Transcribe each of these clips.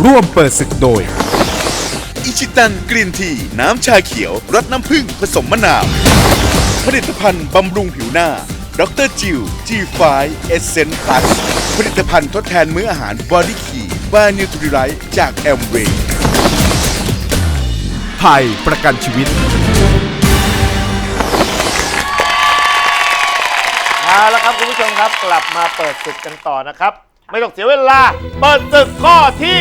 ร่วมเปิดศึกโดยอิชิตันกรีนทีน้ำชาเขียวรสน้ำผึ้งผสมมะนาวผลิตภัณฑ์บำรุงผิวหน้าดรจิว G5 Essence Plus ผลิตภัณฑ์ทดแทนมื้ออาหารบอดี้คีบานิวทริไลท์จากแอมเวย์ไทยประกันชีวิตเอาละครับคุณผู้ชมครับกลับมาเปิดศึกกันต่อนะครับไม่ต้องเสียเวลาเปิดศึกข้อที่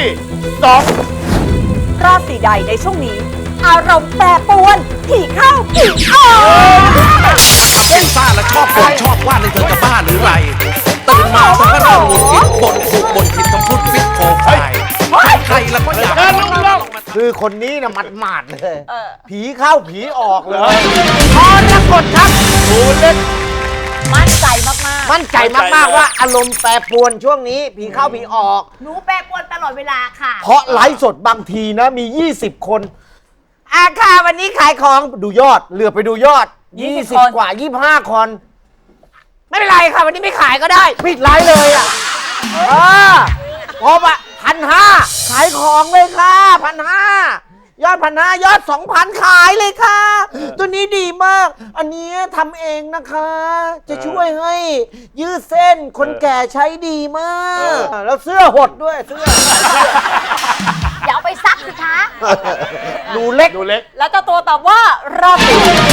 2 ราศีใดในช่วงนี้ อารมณ์แปรปรวนผีเข้าผีออกฟุ้งซ่านและชอบบ่นชอบว่าในเธอจะบ้าหรือไรตื่นมาเธอก็เริ่มหงุดหงิดบ่นถูกบ่นผิดต้องพูดฟิตโคไฟใครๆแล้วก็อยากคือคนนี้นะหมาดๆเลยผีเข้าผีออกเลยพรกฎครับดูเล็กมั่นใจมากมั่นใจมากๆว่าอารมณ์แปรปรวนช่วงนี้ผีเข้าผีออกๆ หนูแปรปรวนตลอดเวลาค่ะเพราะไลฟ์สดบางทีนะมี 20 คนค่ะวันนี้ขายของดูยอดเหลือไปดูยอด 20 กว่า 25 คน ไม่เป็นไรค่ะ วันนี้ไม่ขายก็ได้ ปิดไลฟ์เลยอ่ะพอปะ1,500 ขายของเลยค่ะ 1,500 ยอด 1,500 ยอด 2,000 ขายเลยค่ะ ตัวนี้ดีมาก อันนี้ทำเองนะคะ จะช่วยให้ยืดเส้นคนแก่ใช้ดีมากแล้วเสื้อหดด้วยเสื้ออย่าเอาไปซักสิคะดูเล็กแล้วเจ้าตัวตอบว่าราศี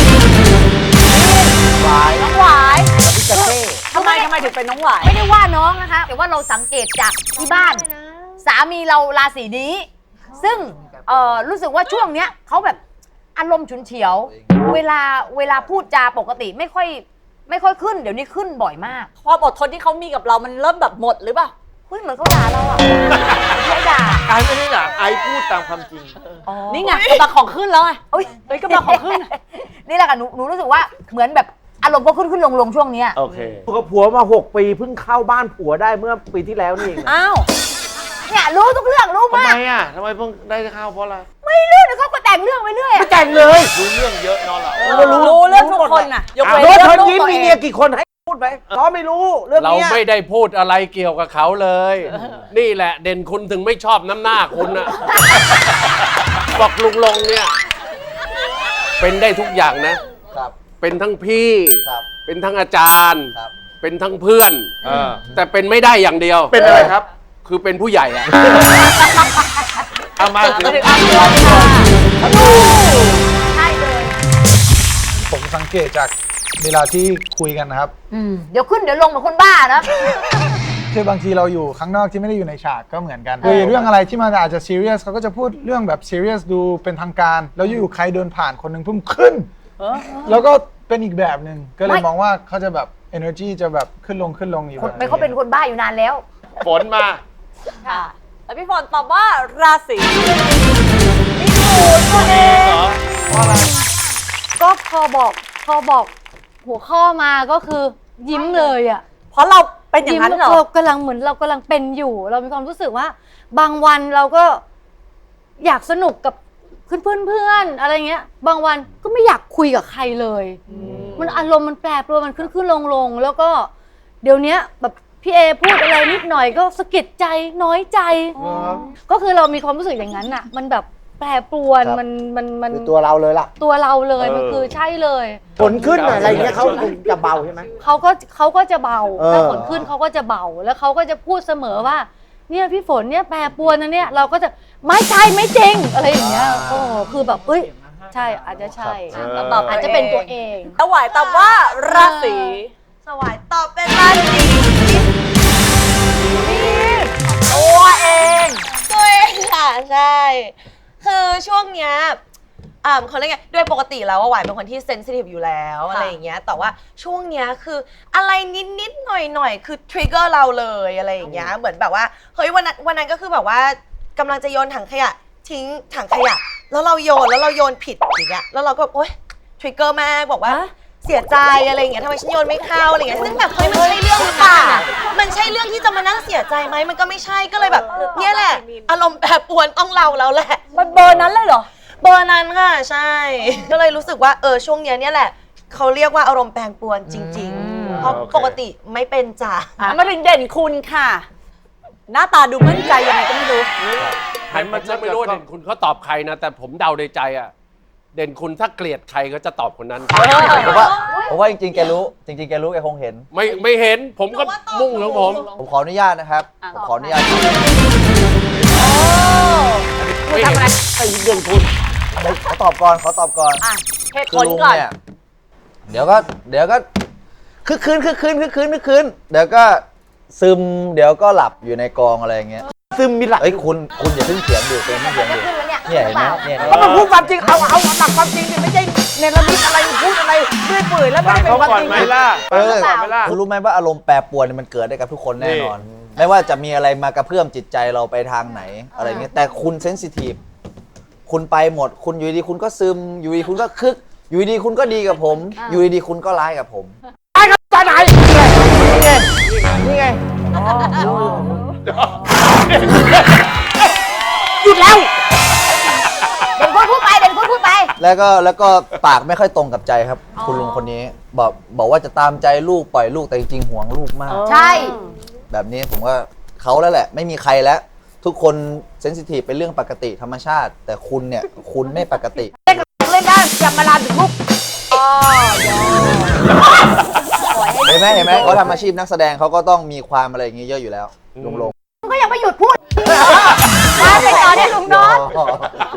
วายน้องหวายพิกาเซ่ทำไมถึงเป็นน้องหวาย ไม่ได้ว่าน้องนะคะ แต่ว่าเราสังเกตจากที่บ้าน สามีเราราศีนี้ ซึ่งรู้สึกว่าช่วงเนี้ยเขาแบบอารมณ์ฉุนเฉียว เวลาพูดจาปกติไม่ค่อยขึ้น เดี๋ยวนี้ขึ้นบ่อยมากความอดทนที่เขามีกับเรามันเริ่มแบบหมดหรือเปล่าเฮ้ยเหมือนเขาด่าเราอ่ะไม่ด่าไอ้ไม่ได้ด่าไอ้พูดตามความจริงนี่ไงกำลังของขึ้นแล้วไงเฮ้ยกำลังของขึ้นนี่แหละค่ะหนูรู้สึกว่าเหมือนแบบอารมณ์ก็ขึ้นลงช่วงเนี้ยโอเคกับผัวมา6 ปีเพิ่งเข้าบ้านผัวได้เมื่อปีที่แล้วนี่เองอ้าวเนี่ยรู้ทุกเรื่องรู้ทำมากไมอ่ะทำไมเพิ่งได้เข้าเพราะอะไรไม่รู้เดี๋ยวเขาก็แต่งเรื่องไปเรื่อยไม่แต่งเลยรู้เรื่องเยอะนอนหลับรู้เรื่องทุกคนน่ะยกเว้นโน้ตเรื่เชิองญลูกยิ้มตัวมีเอเมียงกี่คนให้พูดไหมเขาไม่รู้เรื่องเรานี้ไม่ได้พูดอะไรเกี่ยวกับเขาเลย นี่แหละเด่นคุณถึงไม่ชอบน้ำหน้าคุณนะ บอกลุงลงเนี่ย เป็นได้ทุกอย่างนะครับเป็นทั้งพี่ครับเป็นทั้งอาจารย์ครับเป็นทั้งเพื่อน แต่เป็นไม่ได้อย่างเดียวเป็นอะไรครับคือเป็นผู้ใหญ่อะเอามาถึงใช่เลยผมสังเกตจากเวลาที่คุยกันนะครับเดี๋ยวขึ้นเดี๋ยวลงเหมือนคนบ้านะคือบางทีเราอยู่ข้างนอกที่ไม่ได้อยู่ในฉากก็เหมือนกันคุยเรื่องอะไรที่มันอาจจะซีเรียสเขาก็จะพูดเรื่องแบบซีเรียสดูเป็นทางการ แล้วอยู่ๆใครเดินผ่านคนหนึ่งพุ่มขึ้น แล้วก็เป็นอีกแบบหนึ่งก็เลยมองว่าเขาจะแบบ energy จะแบบขึ้นลงอยู่แบบไม่เขาเป็นคนบ้าอยู่นานแล้วฝนมาค่ะแล้วพี่ฝนตอบว่าราศีก็พอบอกหัวข้อมาก็คือยิ้มเลยอ่ะเพราะเราเป็นอย่างนั้นเหรอเรากำลังเป็นอยู่ เรามีความรู้สึกว่า บางวันเราก็อยากสนุกกับเพื่อนอะไรเงี้ย บางวันก็ไม่อยากคุยกับใครเลย มันอารมณ์มันแปรปรวนมันขึ้นลงแล้วก็เดี๋ยวนี้แบบพี่เอพูดอะไรนิดหน่อยก็สะกิดใจน้อยใจ ก็คือเรามีความรู้สึกอย่างนั้นอ่ะ มันแบบแปรปรวนครับมันคือตัวเราเลยล่ะตัวเราเลยมันคือใช่เลยฝนขึ้นอะไรเงี้ยเขาคงจะเบาใช่ไหมเขาก็จะเบา ถ้าฝนขึ้นเขาก็จะเบา แล้วเขาก็จะพูดเสมอว่า เนี่ยพี่ฝนเนี่ยแปรปรวนนะเนี่ยเราก็จะไม่ใช่ไม่จริงอะไรอย่างเงี้ยโอ้คือแบบเอ้ยใช่อาจจะใช่อาจจะเป็นตัวเองสวายตอบว่าราศีสวายตอบเป็นราศีตัวเองตัวเองค่ะใช่ คือช่วงเนี้ยเขาเรียกไงโดยปกติแล้วว่าหวายเป็นคนที่เซนซิทีฟอยู่แล้วอะไรอย่างเงี้ยแต่ว่าช่วงเนี้ยคืออะไรนิดหน่อยคือทริกเกอร์เราเลยอะไรอย่างเงี้ยเหมือนแบบว่าเฮ้ยวันนั้นก็คือแบบว่ากำลังจะโยนถังขยะทิ้งถังขยะแล้วเราโยนผิดอย่างเงี้ยแล้วเราก็โอ๊ยทริกเกอร์มากบอกว่าเสียใจอะไรอย่างเงี้ยทำไมฉันโยนไม่เข้าอะไรอย่างเงี้ยซึ่งแบบเฮ้ยมันใช่เรื่องหรือเปล่ามันใช่เรื่องที่จะมานั่งเสียใจไหมมันก็ไม่ใช่ก็เลยแบบเนี่ยแหละอารมณ์แปรปรวนต้องเราแล้วแหละมันเบอร์นั้นเลยเหรอเบอร์นั้นค่ะใช่ ก็เลยรู้สึกว่าช่วงเนี้ยเนี่ยแหละเขาเรียกว่าอารมณ์แปรปรวนจริงๆ เพราะปกติไม่เป็นจ้ะมาถึงเด่นคุณค่ะ หน้าตาดูมั่นใจยังไงก็ไม่รู้หันมาจะไม่รู้ว่าเด่นคุณเขาตอบใครนะ แต่ผมเดาในใจอ่ะ เด่นคุณถ้าเกลียดใครก็จะตอบคนนั้นผมว่าจริงๆแกรู้จริงๆแกรู้แกคงเห็นไม่เห็นผมก็มุ่งของผมผมขออนุญาตนะครับผมขออนุญาตไม่เห็นไอ้เด่นคุณขอตอบก่อนเหตุคืผอลลุงก่อนเนี่ยเดี๋ยวก็คึกคืนเดี๋ยวก็ซึมเดี๋ยวก็หลับอยู่ในกองอะไรอย่างเงี้ยซึมมีหลักเอ้ยคุณอย่าเพิ่งเถียงดิเพิ่งเถียงดิเนี่ยเห็นไหมเนี่ยก็มาพูดความจริงเอาหลักความจริงดิไม่ใช่เนรมิตอะไรพูดอะไรเรื่อยเปื่อยแล้วไม่ได้เป็นความจริงคุณรู้ไหมว่าอารมณ์แปรปรวนเนี่ยมันเกิดได้กับทุกคนแน่นอน ไม่ว่าจะมีอะไรมากระเพื่อมจิตใจเราไปทางไหนอะไรเงี้ยแต่คุณเซนซิทีฟคุณไปหมดคุณอยู่ดีคุณก็ซึมอยู่ดีคุณก็คึกอยู่ดีคุณก็ดีกับผม อยู่ดีคุณก็ร้ายกับผมไปครับไปไหนนี่ไงหยุดแล้วเด่นคุณพูดไปแล้วก็ปากไม่ค่อยตรงกับใจครับ คุณลุงคนนี้บอกว่าจะตามใจลูกปล่อยลูกแต่จริงๆห่วงลูกมากใช่แบบนี้ผมว่าเขาแล้วแหละไม่มีใครแล้ว ทุกคนเซนซิทีฟเป็นเรื่องปกติธรรมชาติ แต่คุณเนี่ยคุณไม่ปกติเล่นได้อย่ามาลามถึงลูกเห็นไหมเขาทำอาชีพนักแสดงเขาก็ต้องมีความอะไรอย่างงี้เยอะอยู่แล้วลุงลงก็ยังไม่หยุดพูดมาไปต่อได้ลุงโน้ตห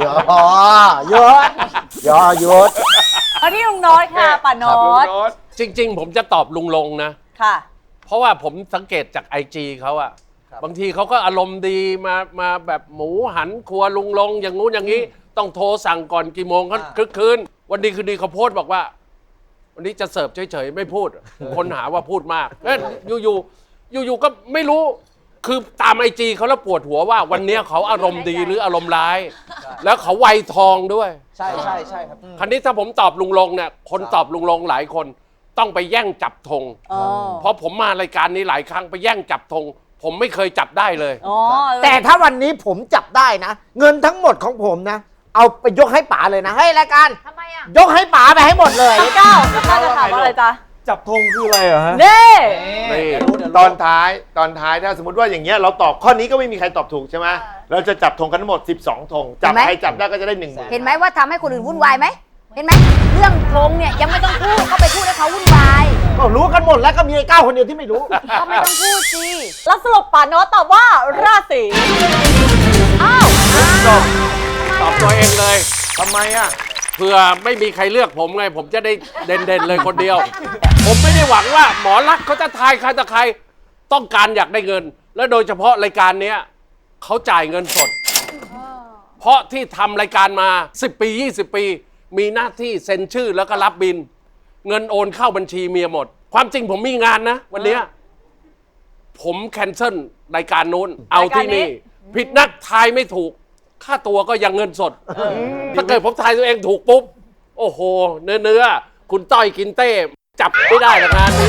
ยุดอันนี้ลุงโน้ตค่ะป่าโน้ตจริง ๆ ผมจะตอบลุงลงนะค่ะเพราะว่าผมสังเกตจาก IG เขาอะบางทีเขาก็อารมณ์ดีมาแบบหมูหันครัวลุงลงอย่างงู้นอย่างนี้ ต้องโทรสั่งก่อนกี่โมงเขาคึกคืนวันดีคืนดีเขาโพสต์บอกว่า วันนี้จะเสิร์ฟเฉยๆไม่พูด คนหาว่าพูดมากอยู่ก็ไม่รู้คือตาม IG เขาแล้วปวดหัวว่าวันนี้เขาอารมณ์ดีหรืออารมณ์ร้าย แล้วเขาไวทองด้วยใช่ครับคราวนี้ถ้าผมตอบลุงลงเนี่ยคนตอบลุงลงหลายคนต้องไปแย่งจับธงเพราะผมมารายการนี้หลายครั้งไปแย่งจับธงผมไม่เคยจับได้เลยแต่ถ้าวันนี้ผมจับได้นะเงินทั้งหมดของผมนะเอาไปยกให้ป๋าเลยนะให้รายการทำไมอ่ะยกให้ป๋าไปให้หมดเลยเก้าจะถามว่าอะไรจ๊ะจับธงคืออะไรเหรอฮะเน่นี่ตอนท้ายถ้าสมมติว่าอย่างเงี้ยเราตอบข้อนี้ก็ไม่มีใครตอบถูกใช่ไหมเราจะจับธงกันทั้งหมด12ธงจับใครจับได้ก็จะได้10,000 เห็นไหมว่าทำให้คนอื่นวุ่นวายไหมเห็นไหมเรื่องโกงเนี่ยยังไม่ต้องพูดก็ไปพูดให้เขาวุ่นวายก็รู้กันหมดแล้วก็มีไอ้ก้าวคนเดียวที่ไม่รู้ก็ไม่ต้องพูดสิแล้วสรุปป่าโน้ตตอบว่าราศีอ้าวตอบตัวเองเลยทำไมอ่ะเผื่อไม่มีใครเลือกผมไงผมจะได้เด่นๆเลยคนเดียว ผมไม่ได้หวังว่าหมอรักษณ์เขาจะทายใครต่อใครต้องการอยากได้เงิน และโดยเฉพาะรายการเนี้ยเขาจ่ายเงินสด เพราะที่ทำรายการมา10 ปี20 ปี มีหน้าที่เซ็นชื่อแล้วก็รับบิน เงินโอนเข้าบัญชีเมียหมด ความจริงผมมีงานนะ วันเนี้ยผมแคนเซิลรายการนู้นเอาที่นี่ผิดนักทายไม่ถูกค่าตัวก็ยังเงินสดถ้าเกิดผมทายตัวเองถูกปุ๊บโอ้โหเนื้อคุณต้อยกินเต้จับไม่ได้ละงานนี้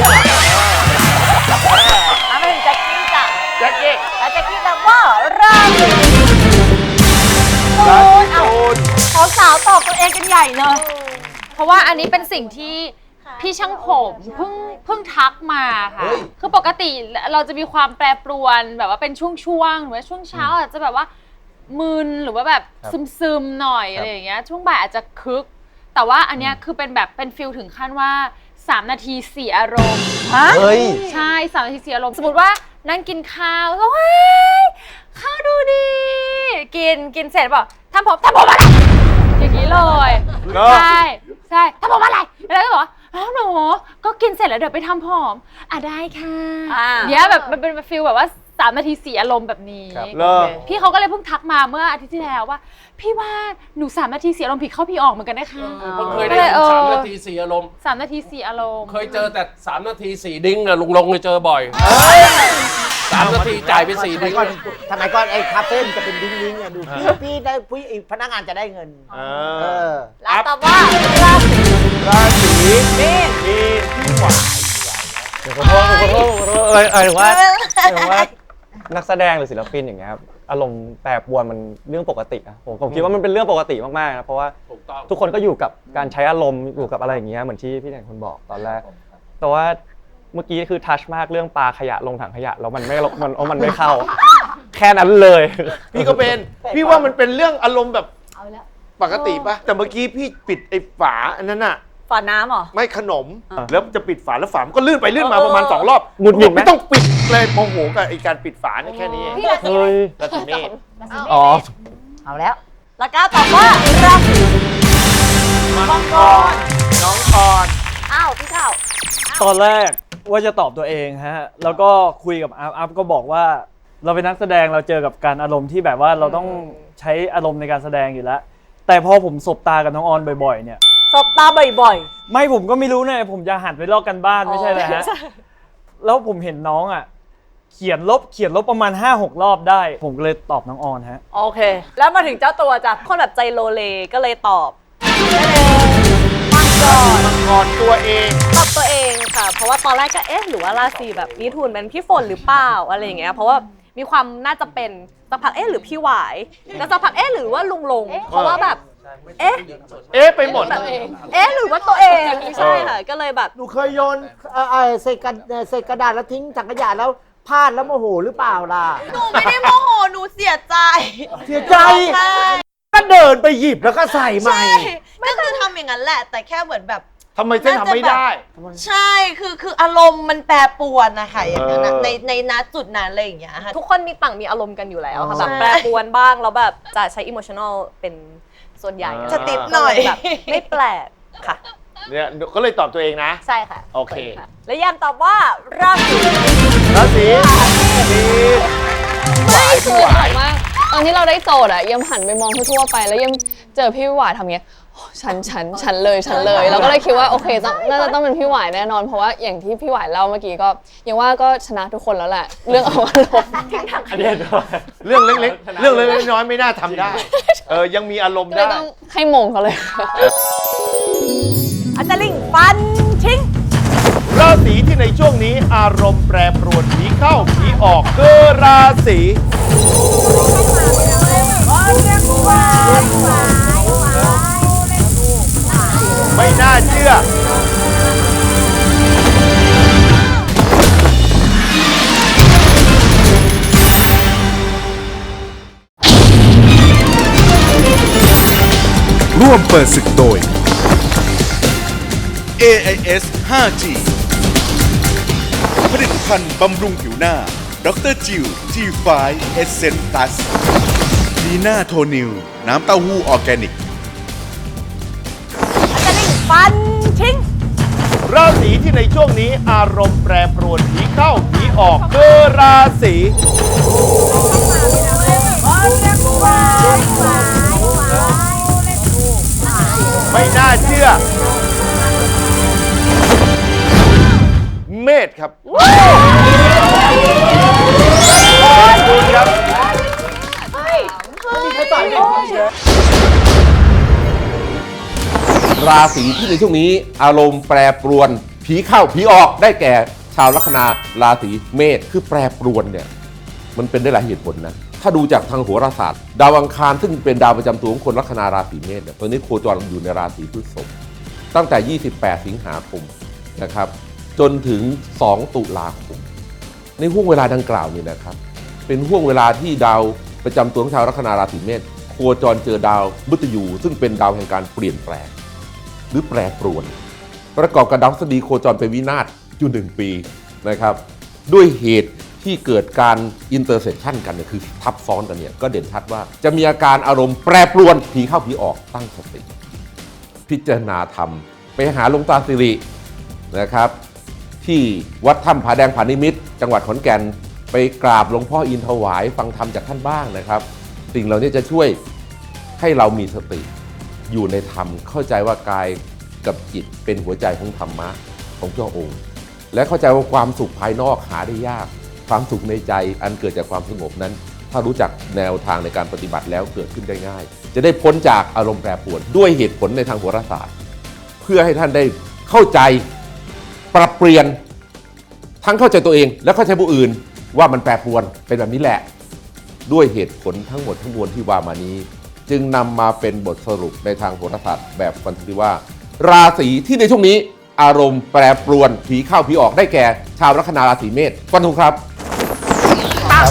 มาถึงแจ็คกี้จ้ะแจ็คกี้แล้วแจ็คกี้ตอบว่าราศีตูนเอาสาวตอบตัวเองกันใหญ่เลยเพราะว่าอันนี้เป็นสิ่งที่พี่ช่างผมเพิ่งทักมาค่ะ คือปกติเราจะมีความแปรปรวนแบบว่าเป็นช่วงๆหรือว่าช่วงเช้าอาจจะแบบว่ามึนหรือว่าแบบซึมๆหน่อยอะไรอย่างเงี้ยช่วงบ่ายอาจจะคึก แต่ว่าอันเนี้ยคือเป็นแบบเป็นฟิลถึงขั้นว่า3 นาทีเสียอารมณ์เฮ้ยใช่3 นาทีเสียอารมณ์สมมติว่านั่งกินข้าวแล้วเฮ้ยข้าวดูดีกินเสร็จบอกทำผมอะไรอย่างนี้เลยใช่ทำผมอะไรแล้วก็บอกอ้าวหนูก็กินเสร็จแล้วเดี๋ยวไปทำผมได้ค่ะเนี้ยแบบมันเป็นฟิลแบบว่า3 นาทีเสียอารมณ์แบบนี้พี่เขาก็เลยเพิ่งทักมาเมื่ออาทิตย์ที่แล้วว่าพี่ว่าหนู3 นาทีเสียอารมณ์ผิดเข้าพี่ออกเหมือนกันนะคะผมเคยได้ยิน3 นาทีเสียอารมณ์ 3 นาทีเสียอารมณ์เคยเจอแต่3 นาที4 ดิ้งอะลุงลงเคยเจอบ่อย3 นาทีจ่ายไป4 ดิ้งทำไมก่อนไอ้คาเฟ่จะเป็นดิ้งๆเนี่ยดูพี่ได้พนักงานจะได้เงินแล้วตอบว่าราศีมีนพี่หวานขอโทษถึงว่านักแสดงหรือศิลปินอย่างเงี้ยครับอารมณ์แปรปรวนมันเรื่องปกติอะผมคิดว่ามันเป็นเรื่องปกติมากๆนะเพราะว่าทุกคนก็อยู่กับการใช้อารมณ์อยู่กับอะไรอย่างเงี้ยเหมือนที่พี่แดนคุณบอกตอนแรกแต่ว่าเมื่อกี้คือทัชมากเรื่องปลาขยะลงถังขยะแล้วมันไม่เข้าแค่นั้นเลยพี่ก็เป็น พี่ว่ามันเป็นเรื่องอารมณ์แบบปกติปะแต่เมื่อกี้พี่ปิดไอ้ฝาอันนั้นอะฝาน้ำเหรอไม่ขนม แล้วจะปิดฝาแล้วฝามันก็ลื่นไปลื่นมาประมาณ2 รอบหงุดหงิดไหมไม่ต้องปิดเลยโมโหกับไอ้การปิดฝาเนี่ยแค่นี้เองเฮ้ยราศีเมษอ๋อเอาแล้วแล้วก็ตอบว่าราศีมังกรน้องกรอ้าวพี่ข้าวตอนแรกว่าจะตอบตัวเองฮะ แล้วก็คุยกับอัพก็บอกว่าเราเป็นนักแสดงเราเจอกับการอารมณ์ที่แบบว่าเราต้องใช้อารมณ์ในการแสดงอยู่แล้ว แต่พอผมสบตากับน้องออนบ่อยๆเนี่ยสบตาบ่อยไม่ผมก็ไม่รู้เนี่ยผมจะหันไปลอกกันบ้านไม่ใช่เลยฮะ แล้วผมเห็นน้องอ่ะเขียนลบประมาณ 5-6 รอบได้ ผมก็เลยตอบน้องออนฮะๆโอเค แล้วมาถึงเจ้าตัวจ้ะคนแบบใจโลเลก็เลยตอบมังกรตัวเองตอบตัวเองค่ะ เพราะว่าตอนแรกก็เอ๊ะหรือว่าราศีแบบมิถุนเป็นพี่ฝนหรือเปล่าอะไรอย่างเงี้ยเพราะว่ามีความน่าจะเป็นสักพักเอ๊ะหรือพี่หวายแล้วสักพักเอ๊ะหรือว่าลุงลงเพราะว่าแบบเอ๊ะไปหมดแบบเอ๊ะหรือว่าตัวเองใช่ค่ะก็เลยแบบหนูเคยโยนใส่กระดาษแล้วทิ้งถังขยะแล้วพลาดแล้วโมโหหรือเปล่าล่ะหนูไม่ได้โมโหหนูเสียใจเสียใจก็เดินไปหยิบแล้วก็ใส่ใหม่ใช่ก็คือทำอย่างนั้นแหละ แต่แค่เหมือนแบบทำไมเส้นทำไม่ได้ใช่คืออารมณ์มันแปรปรวนนะคะอย่างนั้นอะในณจุดนั้นอะไรอย่างเงี้ยค่ะทุกคนมีต่างมีอารมณ์กันอยู่แล้วค่ะแบบแปรปรวนบ้างแล้วแบบจะใช้อิโมชัน a ลเป็นส่วนใหญ่จะติดหน่อยแบบไม่แปลกค่ะเนี่ยก็เลยตอบตัวเองนะใช่ค่ะโอเคและยันตอบว่าราศีราศีไม่คือแบบว่าตอนที่เราได้โจทย์อะยังหันไปมองทั่วๆไปแล้วยังเจอพี่หวายทำเงี้ยโอ้ฉันเลยเราก็เลยคิดว่าโอเคน่าจะต้องเป็นพี่หวายแน่นอนเพราะว่าอย่างที่พี่หวายเล่าเมื่อกี้ก็ยังว่าก็ชนะทุกคนแล้วแหละเรื่องเอาอารมณ์อันนี้เรื่องเล็กๆเรื่องเล็กๆน้อยๆไม่น่าทำได้ ยังมีอารมณ์ก็เลยได้ต้องให้มงเขาเลยอาจารย์ลิงฟันทิ้งราศีที่ในช่วงนี้อารมณ์แปรปรวนผีเข้าผีออกคือราศีไม่น่าเชื่อร่วมเปิดศึกโดย AIS 5G ผลิตภัณฑ์บำรุงผิวหน้าดรจิว G5 Essence Plus ดีน่าโทนิวน้ำเต้าหู้ออร์แกนิกอาจารย์ลิงฟันทิ้งราศีที่ในช่วงนี้อารมณ์แปรปรวนผีเข้าผีออกคือราศีไม่น่าเชื่อ เมษครับคุณครับราศีที่ในช่วงนี้อารมณ์แปรปรวนผีเข้าผีออกได้แก่ชาวลัคนาราศีเมษคือแปรปรวนเนี่ยมันเป็นได้หลายเหตุผลนะถ้าดูจากทางโหราศาสตร์ดาวอังคารซึ่งเป็นดาวประจำตัวของคนลัคนาราศีเมษเนี่ยตอนนี้โคจรอยู่ในราศีพฤษภตั้งแต่28สิงหาคมนะครับจนถึง2ตุลาคมในห่วงเวลาดังกล่าวนี่นะครับเป็นห่วงเวลาที่ดาวประจำตัวของชาวลัคนาราศีเมษโคจรเจอดาวมฤตยูซึ่งเป็นดาวแห่งการเปลี่ยนแปลงหรือแปรปรวนประกอบกับดาวพฤหัสบดีโคจรเป็นวินาศอยู่1 ปีนะครับด้วยเหตุที่เกิดการอินเตอร์เซคชันกันเนี่ยคือทับซ้อนกันเนี่ยก็เด่นชัดว่าจะมีอาการอารมณ์แปรปรวนผีเข้าผีออกตั้งสติพิจารณาธรรมไปหาหลวงตาสิรินะครับที่วัดถ้ำผาแดงผานิมิตรจังหวัดขอนแก่นไปกราบหลวงพ่ออินถวายฟังธรรมจากท่านบ้างนะครับสิ่งเหล่านี้จะช่วยให้เรามีสติอยู่ในธรรมเข้าใจว่ากายกับจิตเป็นหัวใจของธรรมะของพระองค์และเข้าใจว่าความสุขภายนอกหาได้ยากความสุขในใจอันเกิดจากความสงบนั้นถ้ารู้จักแนวทางในการปฏิบัติแล้วเกิดขึ้นได้ง่ายจะได้พ้นจากอารมณ์แปรปรวนด้วยเหตุผลในทางโหราศาสตร์เพื่อให้ท่านได้เข้าใจปรับเปลี่ยนทั้งเข้าใจตัวเองและเข้าใจผู้อื่นว่ามันแปรปรวนเป็นแบบนี้แหละด้วยเหตุผลทั้งหมดทั้งมวลที่ว่ามานี้จึงนำมาเป็นบทสรุปในทางโหราศาสตร์แบบฟันธงว่าราศีที่ในช่วงนี้อารมณ์แปรปรวนผีเข้าผีออกได้แก่ชาวลัคนาราศีเมษฟันธงครับมันทำ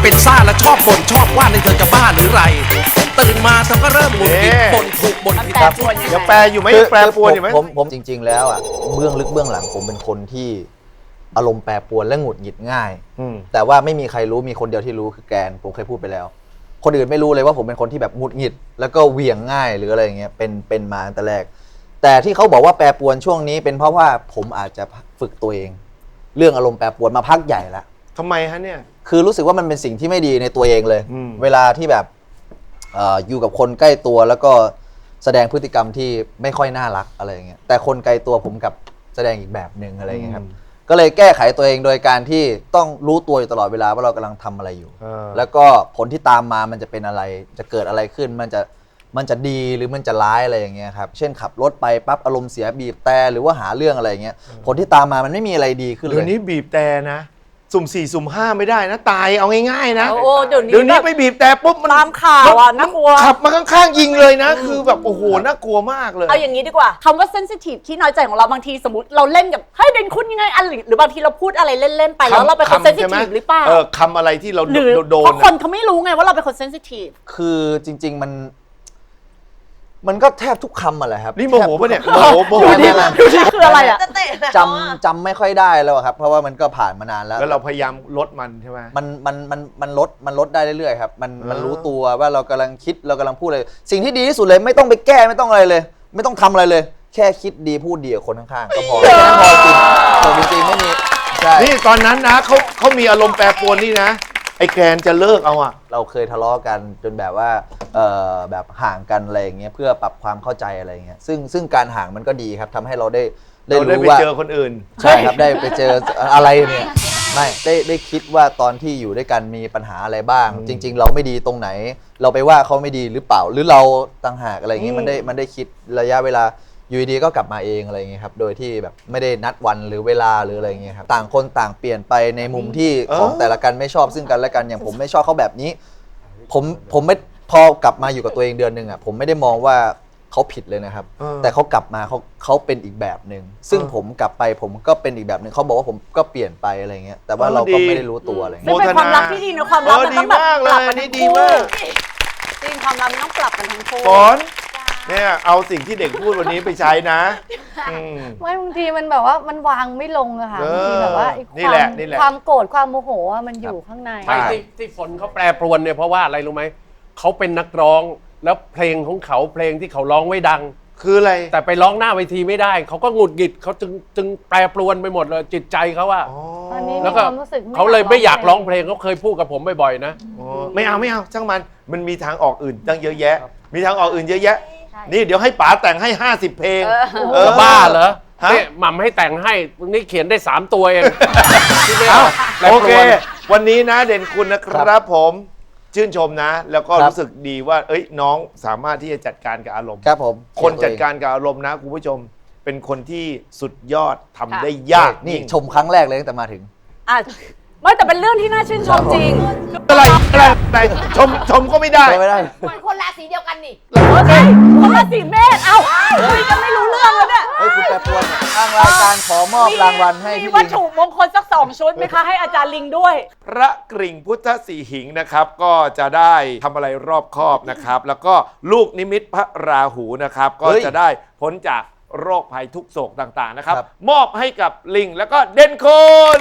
เป็นซ่าและชอบบ่นชอบว่าในเธอจะบ้าหรือไร ตื่นมาเธอก็เริ่มหงุดหงิดบ่นถูกบ่นผิดยังแปลอยู่ไหมยังแปลปรวนอยู่ไหมผมจริง ๆ แล้วอ่ะเบื้องลึกเบื้องหลังผมเป็นคนที่อารมณ์แปรปรวนและหงุดหงิดง่าย แต่ว่าไม่มีใครรู้มีคนเดียวที่รู้คือแกนผมเคยพูดไปแล้ว คนอื่นไม่รู้เลยว่าผมเป็นคนที่แบบหงุดหงิดแล้วก็เหวี่ยงง่ายหรืออะไรอย่างเงี้ยเป็นมาตั้งแต่แรกแต่ที่เขาบอกว่าแปรปรวนช่วงนี้เป็นเพราะว่าผมอาจจะฝึกตัวเองเรื่องอารมณ์แปรปรวนมาพักใหญ่แล้วทำไมฮะเนี่ยคือรู้สึกว่ามันเป็นสิ่งที่ไม่ดีในตัวเองเลยเวลาที่แบบอยู่กับคนใกล้ตัวแล้วก็แสดงพฤติกรรมที่ไม่ค่อยน่ารักอะไรอย่างเงี้ยแต่คนไกลตัวผมกับแสดงอีกแบบหนึ่งอะไรอย่างเงี้ยครับก็เลยแก้ไขตัวเองโดยการที่ต้องรู้ตัวอยู่ตลอดเวลาว่าเรากำลังทำอะไรอยู่แล้วก็ผลที่ตามมามันจะเป็นอะไรจะเกิดอะไรขึ้นมันจะดีหรือมันจะร้ายอะไรอย่างเงี้ยครับเช่นขับรถไปปั๊บอารมณ์เสียบีบแต่หรือว่าหาเรื่องอะไรอย่างเงี้ยผลที่ตามมามันไม่มีอะไรดีขึ้นเลยเดี๋ยวนี้บีบแต่นะสุ่ม4สุ่ม5ไม่ได้นะตายเอาง่ายๆนะโอ้เดี๋ยวนี้ไปบีบแต่ปุ๊บมันตามข่าวอ่ะน่ากลัวขับมาข้างๆยิงเลยนะคือแบบโอ้โหน่ากลัวมากเลยเอาอย่างนี้ดีกว่าคำว่าเซนซิทีฟที่น้อยใจของเราบางทีสมมติเราเล่นกับเฮ้ยเด่นคุณยังไงอะไรหรือบางทีเราพูดอะไรเล่นๆไปแล้วเราเป็นคนเซนซิทีฟหรือเปล่าคำอะไรที่เราหรือโดนเพราะคนเขาไม่รู้ไงว่าเราเป็นคนเซนซิทีฟคือจริงๆมันก็แทบทุกคำอะแหละครับนี่โมโหป่ะเนี่ยโมโหคืออะไรอ่ะจำไม่ค่อยได้แล้วครับเพราะว่ามันก็ผ่านมานานแล้วแล้วเราพยายามลดมันใช่ไหมมันลดได้เรื่อยๆครับมันรู้ตัวว่าเรากำลังคิดเรากำลังพูดอะไรสิ่งที่ดีที่สุดเลยไม่ต้องไปแก้ไม่ต้องอะไรเลย ไม่ต้องทำอะไรเลย แค่คิดดีพูดดีกับคนข้างๆก็พอแค่นั้นพอจริงไม่มีใช่นี่ตอนนั้นนะเขามีอารมณ์แปรปรวนนี่นะไอ้แกนจะเลิกเอาอะเราเคยทะเลาะกันจนแบบว่าแบบห่างกันอะไรอย่างเงี้ยเพื่อปรับความเข้าใจอะไรอย่างเงี้ยซึ่งการห่างมันก็ดีครับทำให้เราได้รู้ว่าไปเจอคนอื่นใช่ครับได้ไปเจออะไรเนี่ยไม่ได้คิดว่าตอนที่อยู่ด้วยกันมีปัญหาอะไรบ้างจริงๆเราไม่ดีตรงไหนเราไปว่าเขาไม่ดีหรือเปล่าหรือเราต่างหากอะไรอย่างเงี้ยมันได้คิดระยะเวลาอยู่ดีก็กลับมาเองอะไรอย่างเงี้ยครับโดยที่แบบไม่ได้นัดวันหรือเวลาหรืออะไรอย่างเงี้ยครับต่างคนต่างเปลี่ยนไปในมุมที่ของแต่ละกันไม่ชอบซึ่งกันและกันอย่างผมไม่ชอบเขาแบบนี้ผมไม่พอกลับมาอยู่กับตัวเองเดือนนึงอ่ะผมไม่ได้มองว่าเขาผิดเลยนะครับแต่เขากลับมาเขาเป็นอีกแบบหนึ่งซึ่งผมกลับไปผมก็เป็นอีกแบบหนึ่งเขาบอกว่าผมก็เปลี่ยนไปอะไรเงี้ยแต่ว่าเราก็ไม่ได้รู้ตัวอะไรเงี้ยเป็นความรักที่ดีนะความรักมันต้องแบบปรับกันทั้งคู่จริงความรักมันต้องปรับกันทั้งคู่เนี่ยเอาสิ่งที่เด็กพูดวันนี้ไปใช้นะไม่บางทีมันแบบว่ามันวางไม่ลงอะค่ะบางทีแบบว่าความโกรธความโมโหมันอยู่ข้างในที่ฝนเขาแปรปรวนเนี่ยเพราะว่าอะไรรู้ไหมเขาเป็นนักร้องแล้วเพลงของเขาเพลงที่เขาร้องไว้ดังคืออะไรแต่ไปร้องหน้าเวทีไม่ได้เขาก็หงุดหงิดเขาจึงแปรปรวนไปหมดเลยจิตใจเขาว่าแล้วก็เขาเลยไม่อยากร้องเพลงเขาเคยพูดกับผมบ่อยๆนะไม่เอาช่างมันมีทางออกอื่นตั้งเยอะแยะมีทางออกอื่นเยอะแยะนี่เดี๋ยวให้ป๋าแต่งให้50เพลงบ้าเหรอเนี่ยหม่ำให้แต่งให้นี่เขียนได้3ตัวเองโอเควันนี้นะเด่นคุณนะครับผมชื่นชมนะแล้วก็รู้สึกดีว่าน้องสามารถที่จะจัดการกับอารมณ์ครับผมคนจัดการกับอารมณ์นะคุณผู้ชมเป็นคนที่สุดยอดทำได้ยากนี่ชมครั้งแรกเลยตั้งแต่มาถึงไม่แต่เป็นเรื่องที่น่าชื่นชมจริงอะไรชมก็ไม่ได้คนราศีเดียวกันนี่คนราศีเมษเอาคุยกันไม่รู้เรื่องแล้วเนี่ยคุณแปรปรวนทางรายการขอมอบรางวัลให้มีวัตถุมงคลสัก2ชุดไหมคะให้อาจารย์ลิงด้วยพระกริ่งพุทธสีหิงนะครับก็จะได้ทำอะไรรอบคอบนะครับแล้วก็ลูกนิมิตพระราหูนะครับก็จะได้พ้นจากโรคภัยทุกโศกต่างๆนะครับมอบให้กับลิงแล้วก็เด่นคุณ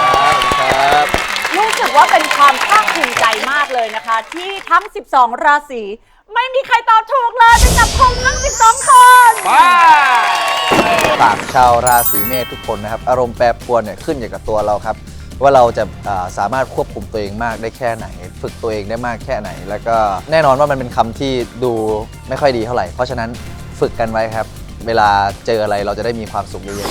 รู้สึกว่าเป็นความภาคภูมิใจมากเลยนะคะที่ทั้ง12ราศีไม่มีใครตอบถูกเลยเป็นจับคงทั้ง12คนฝากชาวราศีเมษทุกคนนะครับอารมณ์แปรปรวนเนี่ยขึ้นอยู่กับตัวเราครับว่าเราจะสามารถควบคุมตัวเองมากได้แค่ไหนฝึกตัวเองได้มากแค่ไหนแล้วก็แน่นอนว่ามันเป็นคำที่ดูไม่ค่อยดีเท่าไหร่เพราะฉะนั้นฝึกกันไว้ครับเวลาเจออะไรเราจะได้มีความสุขเยอะ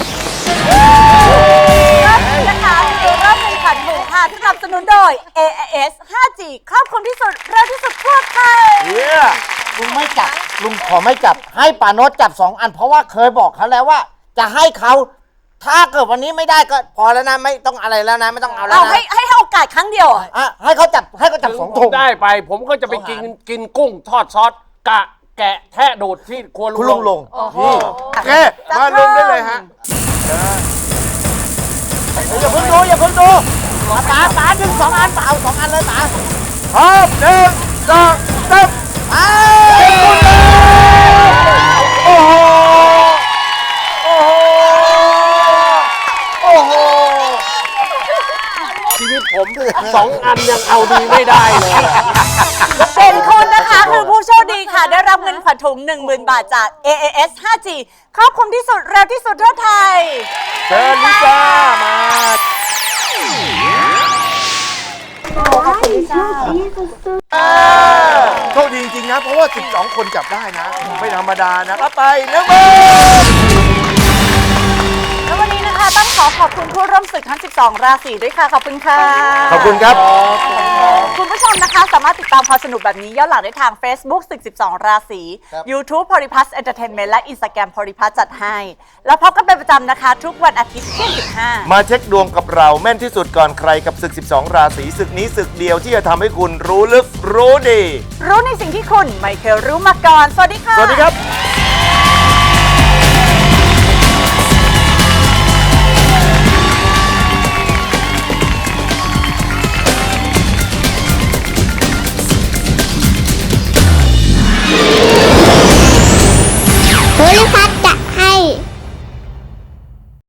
ๆนะคะรอบเป็นขันหมูค่ะที่สนับสนุนโดย AIS 5G ครอบคลุมที่สุดเร็วที่สุดทั่วไทยลุงไม่จับลุงขอไม่จับให้ป่าโนตจับ2อันเพราะว่าเคยบอกเขาแล้วว่าจะให้เขาถ้าเกิดวันนี้ไม่ได้ก็พอแล้วนะไม่ต้องอะไรแล้วนะไม่ต้องเอาแล้วนะให้โอกาสครั้งเดียวให้เขาจับ2ถุงได้ไปผมก็จะไปกินกุ้งทอดซอสแกะแทะโดดที่ครัวลุงลงโอเคมาลงได้เลยฮะอย่าเพิ่งดูป๋าดึง2 อันป๋าเอา2 อันเลยป๋าพร้อม1 2 3โอ้โหโอ้โหชีวิตผม2 อันยังเอาดีไม่ได้เลยเป็นคุณนะคะคือผู้โชคดีค่ะ ได้รับเงินขวัญถุง 10,000 บาทจาก AAS 5G ครอบคลุมที่สุดเร็วที่สุดทั่วไทยเชิญลิซ่ามา โชคดีจริงๆนะ เพราะว่า 12 คนจับได้นะ ไม่ธรรมดานะรับไป1 0,000 แล้ววันนี้นะคะต้องขอบคุณผู้ร่วมศึกทั้ง 12 ราศีด้วยค่ะ ขอบคุณค่ะขอบคุณครับคุณผู้ชมนะคะสามารถติดตามความสนุกแบบนี้ย้อนหลังได้ทาง Facebook ศึก 12 ราศี YouTube Polyplus Entertainment และ Instagram Polyplus จัดให้ แล้วพบกันเป็นประจำนะคะ ทุกวันอาทิตย์เที่ยง 15 มาเช็คดวงกับเราแม่นที่สุดก่อนใครกับศึก 12 ราศีศึกนี้ศึกเดียวที่จะทำให้คุณรู้ลึกรู้ดีรู้ในสิ่งที่คุณไม่เคยรู้มาก่อน สวัสดีค่ะสวัสดีครับส